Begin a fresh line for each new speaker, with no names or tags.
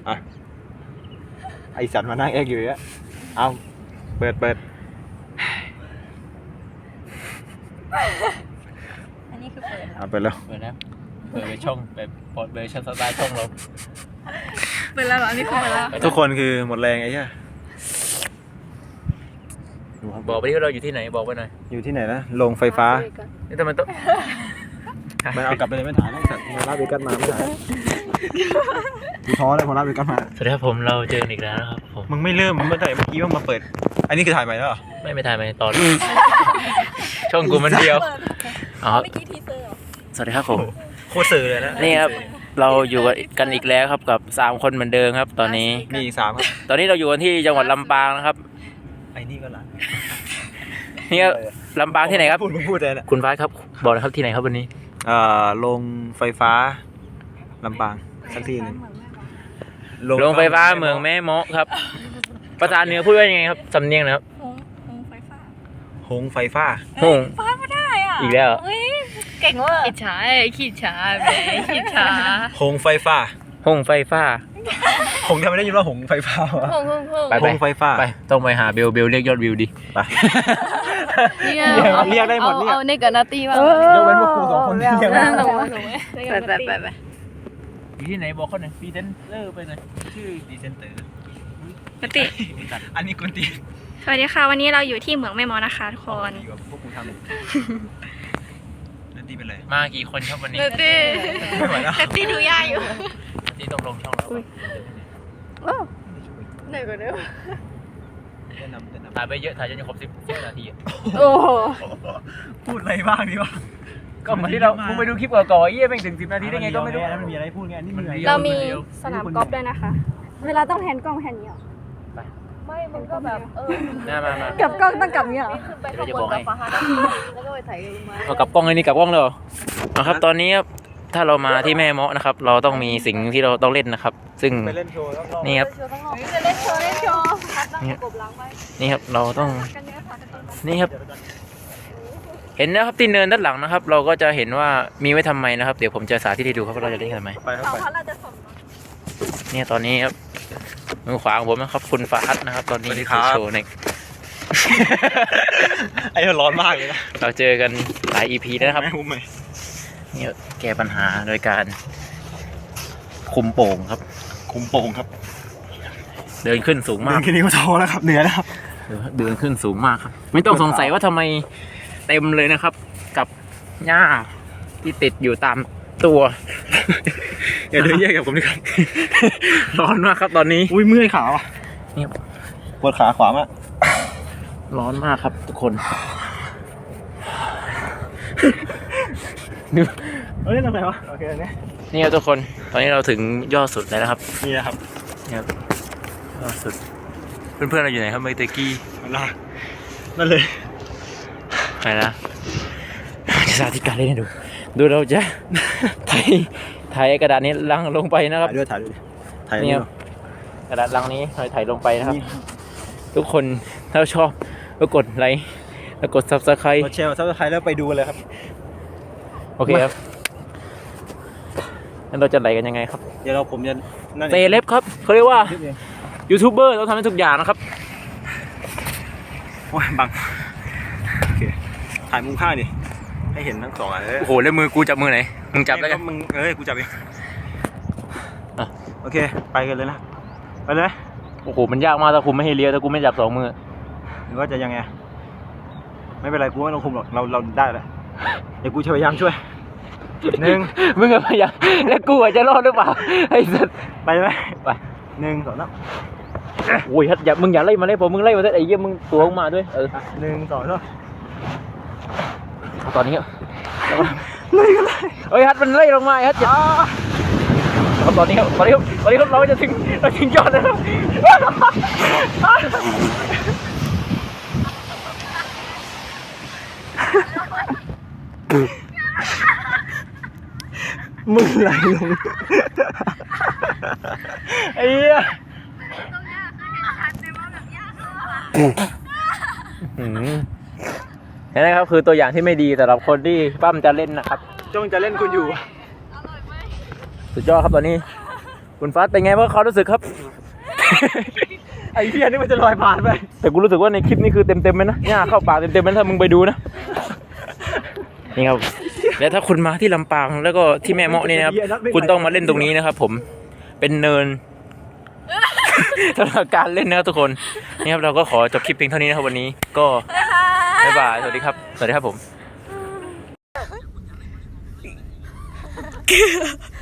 อ่ะไอสัตว์มานั่งแอกอยู่อ่ะเอาเปิด
อันนี้คือเปิด
เอาเปิดแล้ว
เปิดนะเปิดไปช่องแบบเปิดช่องสไตล์ช่องเรา
เปิดแล้วเหรออันนี้คือเปิดแล้ว
ทุกคนคือหมดแรงไอ้เหี้ย
บอกไปที่เราอยู่ที่ไหนบอกไปหน่อย
อยู่ที่ไหนนะโรงไฟฟ้า
นี่ทำไมต้อง
มันเอากลับไปเลยไม่ถ่ายนะสัตว์มาลาเวกัสมาไม่ถ่ายกูท้อเลยพอลาเวกัสมา
สวัสดีครับผมเราเจอกันอีกแล้วนะครับผม
มึงไม่เริ่มมึงไม่ถ่ายเมื่อกี้มึงมาเปิด อันนี้คือถ่ายใหม่แล้วเหรอ
ไม่ถ่ายไหมตอน ช่องกูมันเดียวอ๋อ
เมื่อกี้ทีเซอร์เหรอ
สวัสดีครับผม
โคตรสื่อเลยนะ
นี่ครับเราอยู่กันอีกแล้วครับกับ3คนเหมือนเดิมครับ ตอนนี้
มีอีก3ครับ
ตอนนี้เราอยู่กันที่จังหวัดลำปางนะครับ
ไอ้นี่ก็ร้าน
นี่ครับลำปางที่ไหนครับ
พูดเลยนะ
คุณฟ้าครับบอกนะครับที่ไหนครับวันนี้
โรงไฟฟ้าลำปางสักที่หนึ่ง
โรงไฟฟ้าเมืองแม่เมาะครับภาษาเหนือพูดว่ายังไงครับสำเนียงนะครับ
หงไฟฟ้า
หงไฟฟ้า
หง
ฟ้าไม่ได้อ่ะ
อีกแล้ว
เฮ้ยเก่งเว่ะ
ขี้ช้าขี้ช้าแหมขี้ช้า
หงไฟฟ้า
หงไฟฟ้า
หงทำไมได้ยินว่าหงไฟฟ้าวะ
พุ่ง
ไป
หงไฟฟ้า
ไปต้องไปหาเบลเรียกยอดวิวดิ
ไป
เนี่ย
เรียกได้หมดเนี่ย
เอาในกับนาตีว่าย
กเว้นพวกครู2 คนที่ยังไม่
ห
ได้
นูไป
อยู่ที่ไหนบอกเขาหน่อยพรีเซนเตอร์ไปหน่อย
ชื่อดีเซนเตอร์
ปกติ
อันนี้กุนตี
สวัสดีค่ะวันนี้เราอยู่ที่เหมืองแม่มอนะคะทุกคน
ดีกว่าพวกกูทำนั่นตีเป็นไร
มากี่คนครับวันนี้
นาตี
ไม่ไหวแล้ว
แต่ตีดูยากอยู่
ที่ต้องลงช่องเรา
ไหนกันเนี่ย
แนะนำ
ถ่ายไปเยอะถ่ายจนจะครบ10 นาที
โอ้โห
พูดอะไรบ้างดีวะ
ก็เหมือนที่เรามึงไปดูคลิปก่อนๆเยี่ยแม่งถึง10 นาทีได้ไงก็ไม่รู้
มันมีอะไรพูดไงนี่มัน
เรามีสนามกอล์ฟด้วยนะคะ เวลาต้องแฮนด์กล้องแฮนด์นี้เหรอ
ไม่มึงก็แบบ
มา
กับกล้องต้องกับนี้เหรอ
ขึ้นไปข้างบนกับฟ้าแล้วก็ไปถ่ายลงมา
เอากลับกล้องเลยนี่กลับกล้องเลยเหรอครับตอนนี้ถ้าเรามาที่แม่เมาะนะครับ เราต้องมีสิ่งที่เราต้องเล่นนะครับ ซึ่ง
ไปเล่นโชว์แล้วก็
นี่ครับ
จะเล่นโชว์พัดนั่งกบล้างไว้
นี่ครับเราต้องนี่ครับ เห็นนะครับที่เนินด้านหลังนะครับ เราก็จะเห็นว่ามีไว้ทำไมนะครับ เดี๋ยวผมจะสาธิตให้ดูครับว่าเราจะเล่นกันทำไม
ไปครับไป
เนี่ยตอนนี้ครับมือขวาของผมนะครับคุณฟ้าฮัทนะครับ ตอนนี้โชว์ใน
ไอ้ร้อนมากเลยนะ
เราเจอกันหลาย EP แล้วนะครับ
ไม่คุ้มไหม
เนี่ยแก้ปัญหาโดยการคุมโป่งครับ
คุ้มโป่งครับ
เดินขึ้นสูง
เดิ
มาก
นแค่นี้ก็ท้อแล้วครับเหนื่อยแล้วครับ
เดินขึ้นสูงมากครับ ไม่ต้องสงสัยว่าทำไมเต็มเลยนะครับ กับหญ้าที่ติดอยู่ตามตัว
อย่าเดินแยกกับผมดีกว่า
ร้อนมากครับตอนนี้
อุ้ยเมื่อยขาว่ะ
เนี่ย
ปวดขาขวามาก
ร้อนมากครับทุกคน
เฮ้ยทำไมวะโอเคเนี่ย
นี่ครับทุกคน ตอนนี้เราถึงยอดสุดแล้วนะครับ
นี่นะครับ
เนี่ยครับยอดสุด เพื่อนๆเราอยู่ไหนครับเมื่อกี้
นั่นเลย
ไปนะจะสาธิตการเล่นให้ดู เราจะ ถ่ายกระดาษนี้ลังลงไปนะครับ
ถ่ายด้วยถ่าย
นี่ครับกระดาษลังนี้ถ่ายลงไปนะครับ ทุกคนถ้าชอบก็กดไลค์แล้วกด Subscribe
กดแชร์ซับสไครต์แล้วไปดูเลยครับ
โอเคครับงั้นเราจะไหลกันยังไงครับ
เดี๋ยวผมจะนั่น
เซเลบครับเขาเรียกว่ายูทูบเบอร์ต้องทำให้ทุกอย่างนะครับ
โอ้ยบังโอเคถ่ายมุมข้างดิให้เห็นทั้ง2 อันเลย
โอ้โหแล้วมือกูจับมือไหนมึงจับแล้วกัน
มึงกูจับเอง
อ่ะ
โอเคไปกันเลยนะไปเลย
โอ้โหมันยากมากถ้าคุมไม่ให้เลี้ยวถ้ากูไม่จับ2 มือ
หรือว่าจะยังไงไม่เป็นไรกูไม่ต้องคุมหรอกเราได้แล้วเดี๋ยวกูจะพยายามช่วย1
มึงอะพยายามแล้วกูอะจะรอดหรือเปล่าไอ้สัส
ไปไหม
ไป
1 2 3
โอ้ยฮัทอย่ามึงอย่าไล่มาเลยผมมึงไล่มาเถอะไอ้เหี้ยมึงตัวลงมาด้วย
1 2 3
ตอนนี้เฮ้ยฮัทมันไล่ลงมาไอ้ฮัทอย่าตอนนี้เราจะถึงยอดแล้ว
มึงไหลลงไอ้เหี้ย
นี่นะครับคือตัวอย่างที่ไม่ดีสำหรับคนที่ปั้มจะเล่นนะครับ
จ้องจะเล่นคุณอยู่
สุดยอดครับตอนนี้คุณฟ้าเป็นไงบ้างเขารู้สึกครับ
ไอ้เพี้ยนี่มันจะลอยผ่านไป
แต่กูรู้สึกว่าในคลิปนี้คือเต็มๆเลยนะหญ้าเข้าปากเต็มๆเลยถ้ามึงไปดูนะ นี่ครับ แล้วถ้าคุณมาที่ลำปางแล้วก็ที่แม่เมาะนี่นะครับ คุณต้องมาเล่นตรงนี้นะครับ ผมเป็นเนิน สำหรับการเล่นนะครับทุกคนนี่ครับเราก็ขอจบคลิปเพียงเท่านี้นะครับวันนี้ก็บ๊ายบายสวัสดีครับสวัสดีครับผม